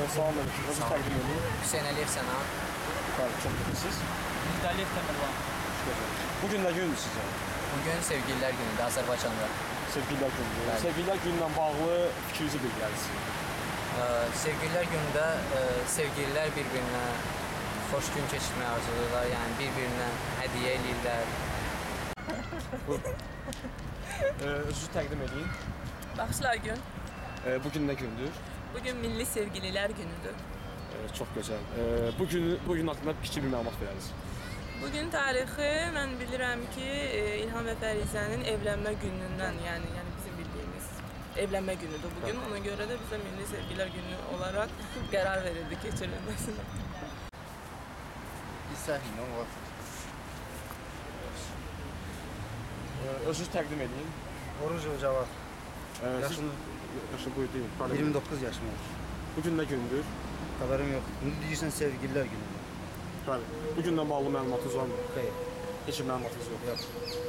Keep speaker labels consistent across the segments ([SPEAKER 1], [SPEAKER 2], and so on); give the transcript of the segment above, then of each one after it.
[SPEAKER 1] Salamünaleyküm. Özü təqdim edin.
[SPEAKER 2] Hüseyn Əliyev Sənan.
[SPEAKER 1] Bəli, çox gözəlsiniz.
[SPEAKER 3] Müdəlif Təmirvan.
[SPEAKER 1] Bugün nə gündür sizə?
[SPEAKER 2] Bugün Sevgililər Günüdür Azərbaycanda.
[SPEAKER 1] Sevgililər günüdür. Sevgililər günündən bağlı fikrinizi bildirərsiniz.
[SPEAKER 2] Sevgililər günündə sevgililər bir-birinə xoş gün keçirməyi arzulayırlar, yəni bir-birinə hədiyyə eləyirlər.
[SPEAKER 1] Özünüzü təqdim edin.
[SPEAKER 4] Baxışlar gün.
[SPEAKER 1] Bugün nə gündür?
[SPEAKER 4] Bugün Milli Sevgililer Günüdür.
[SPEAKER 1] Çox gözəl. Bugün haqqında kiçik bir məlumat verərsiniz.
[SPEAKER 4] Bugün tarixi mən bilirəm ki, İlham və Fərizənin evlənmə günündən, yəni bizim bildiyimiz evlənmə günüdür bugün. Ona görə də bizə Milli Sevgililer Günü olaraq qərar verildi keçirilməsinə.
[SPEAKER 1] Özünüzü təqdim edin.
[SPEAKER 5] Oruç Cavad.
[SPEAKER 1] Yaşı buyur deyin.
[SPEAKER 5] 29 yaşım var.
[SPEAKER 1] Bugün nə gündür?
[SPEAKER 5] Xəbərim yox. İndi deyirsən sevgililer günü.
[SPEAKER 1] Bəli. Bugündən bağlı məlumatınız varmı?
[SPEAKER 5] Xeyr.
[SPEAKER 1] Heç bir məlumatınız yox.
[SPEAKER 5] Yox.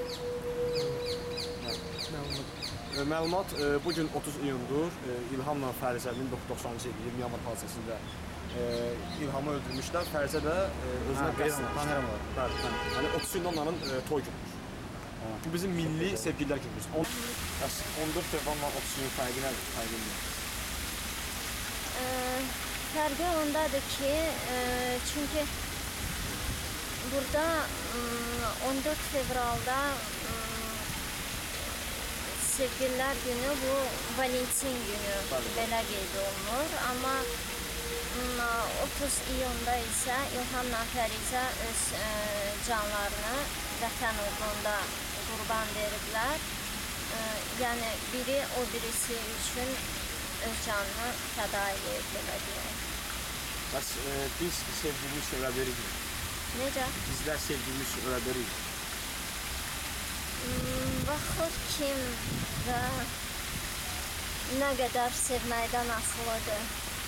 [SPEAKER 1] Məlumat bugün 30 iyundur. İlhamla Fərizənin 1990-cı il 20 yanvar hadisəsində İlhamı öldürmüşlər. Fərizə də özünə qəsd
[SPEAKER 5] tanıyıram var.
[SPEAKER 1] Bəli. Yəni 30 iyunda onların toy günüdür. Bu bizim milli sevgililer günümüz. 14 fevralla 30 iyun fərqi nədir?
[SPEAKER 6] Fərqi ondadır ki, çünki burada 14 fevralda Sevgililer Günü, bu Valentin günü belə qeyd olunur. Amma 30 iyunda isə İlhamla Fərizə öz canlarını vətən uğrunda qurban veriblər. Yəni biri o birisi üçün öz canını fəda edir, belə deyək.
[SPEAKER 1] Bəs biz sevgilimiz ölə veririk.
[SPEAKER 6] Necə?
[SPEAKER 1] Bizlər sevgilimiz ölə veririk.
[SPEAKER 6] Baxır kim və nə qədər sevməkdən asılıdır.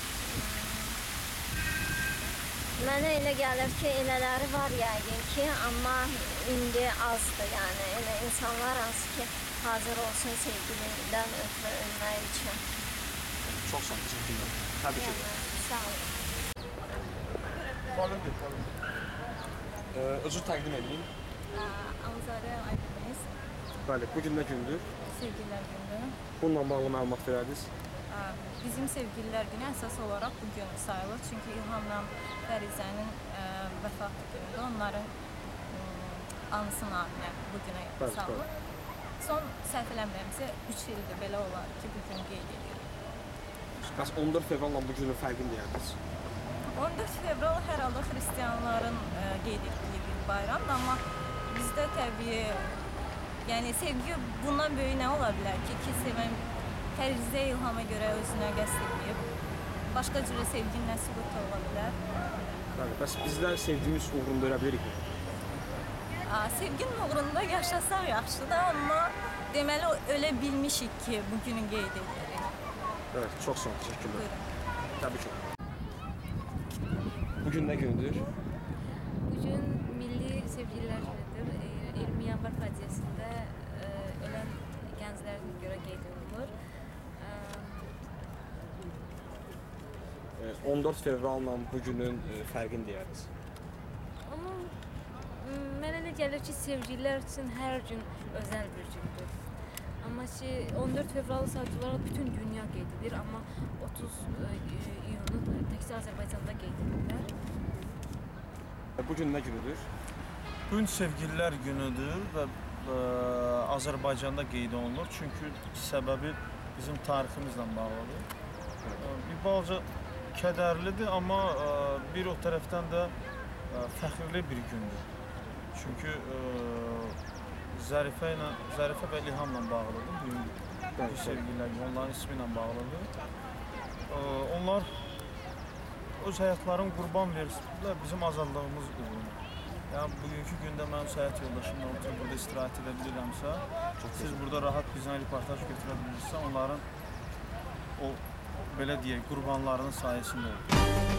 [SPEAKER 6] Mənə elə gəlir ki, elələri var yəqin ki, amma indi azdır, yəni elə insanlar az ki, hazır olsun sevgilidən ötürü ölmək üçün.
[SPEAKER 1] Çox sağ olun, teşekkürler. Təbrik ederim.
[SPEAKER 6] Sağ olun.
[SPEAKER 1] Özünüzü təqdim edin.
[SPEAKER 7] Anzarə Aydınız,
[SPEAKER 1] Bəli, bugün nə gündür?
[SPEAKER 7] Sevgililer Günü.
[SPEAKER 1] Bununla bağlı məlumat verərdiniz.
[SPEAKER 7] Bizim Sevgililer Günü əsas olaraq bu gün sayılır. Çünki İlhamla Fərizənin vəfatı günüdür. Onların anısı naminə bu günə salınır. Son səhv eləmirəmsə 3 ildir belə olar ki, bu gün qeyd edirik.
[SPEAKER 1] Bəs 14 fevralla bu günün fərqini deyərdiniz.
[SPEAKER 7] 14 fevral hər halda xristianların qeyd etdiyi bir bayramdır, amma bizdə təbii, yəni sevgi bundan böyük nə ola bilər ki, sevən Fərizə İlhama görə özünə qəsd edib, başqa cürə sevginin nə sübutu ola bilər?
[SPEAKER 1] Bəli, bəs bizlər sevgimiz uğrunda ölə bilirik mi?
[SPEAKER 7] Sevginin uğrunda yaşasam yaxşıdır, amma deməli ölə bilmişik ki, bugünü qeyd edirik.
[SPEAKER 1] Evet, çox sağ olun, teşekkürler.
[SPEAKER 7] Buyurun.
[SPEAKER 1] Təbii ki. Bugün nə gündür?
[SPEAKER 8] Bugün Milli Sevgililer Günüdür. 20 yanvar faciəsində ölən gənclərin görə qeyd olunur.
[SPEAKER 1] 14 fevralla bugünün fərqini deyərdiniz.
[SPEAKER 8] Amma mənə elə gəlir ki, sevgililer üçün hər gün özəl bir gündür. Amma ki 14 fevralı sadəcə olaraq bütün dünya qeyd edir, amma 30 iyunu təkcə Azərbaycanda qeyd edirlər.
[SPEAKER 1] Bugün nə günüdür?
[SPEAKER 9] Bugün Sevgililer Günüdür və Azərbaycanda qeyd olunur. Çünki səbəbi bizim tariximizlə bağlıdır. Bir balaca kədərlidir, amma bir o tərəfdən də fəxrli bir gündür. Çünki Zərifə və İlhamla bağlıdır. Bugün Sevgililer Günü onların ismi ilə bağlıdır. Onlar öz həyatlarını qurban verirlər bizim azadlığımız uğruna. Yəni bugünkü gündə mənim həyat yoldaşımla oturub burada istirahət edə bilirəmsə, siz burada rahat bizdən reportaj götürə bilirsə, onların o belə deyək qurbanlarının sayəsində olur.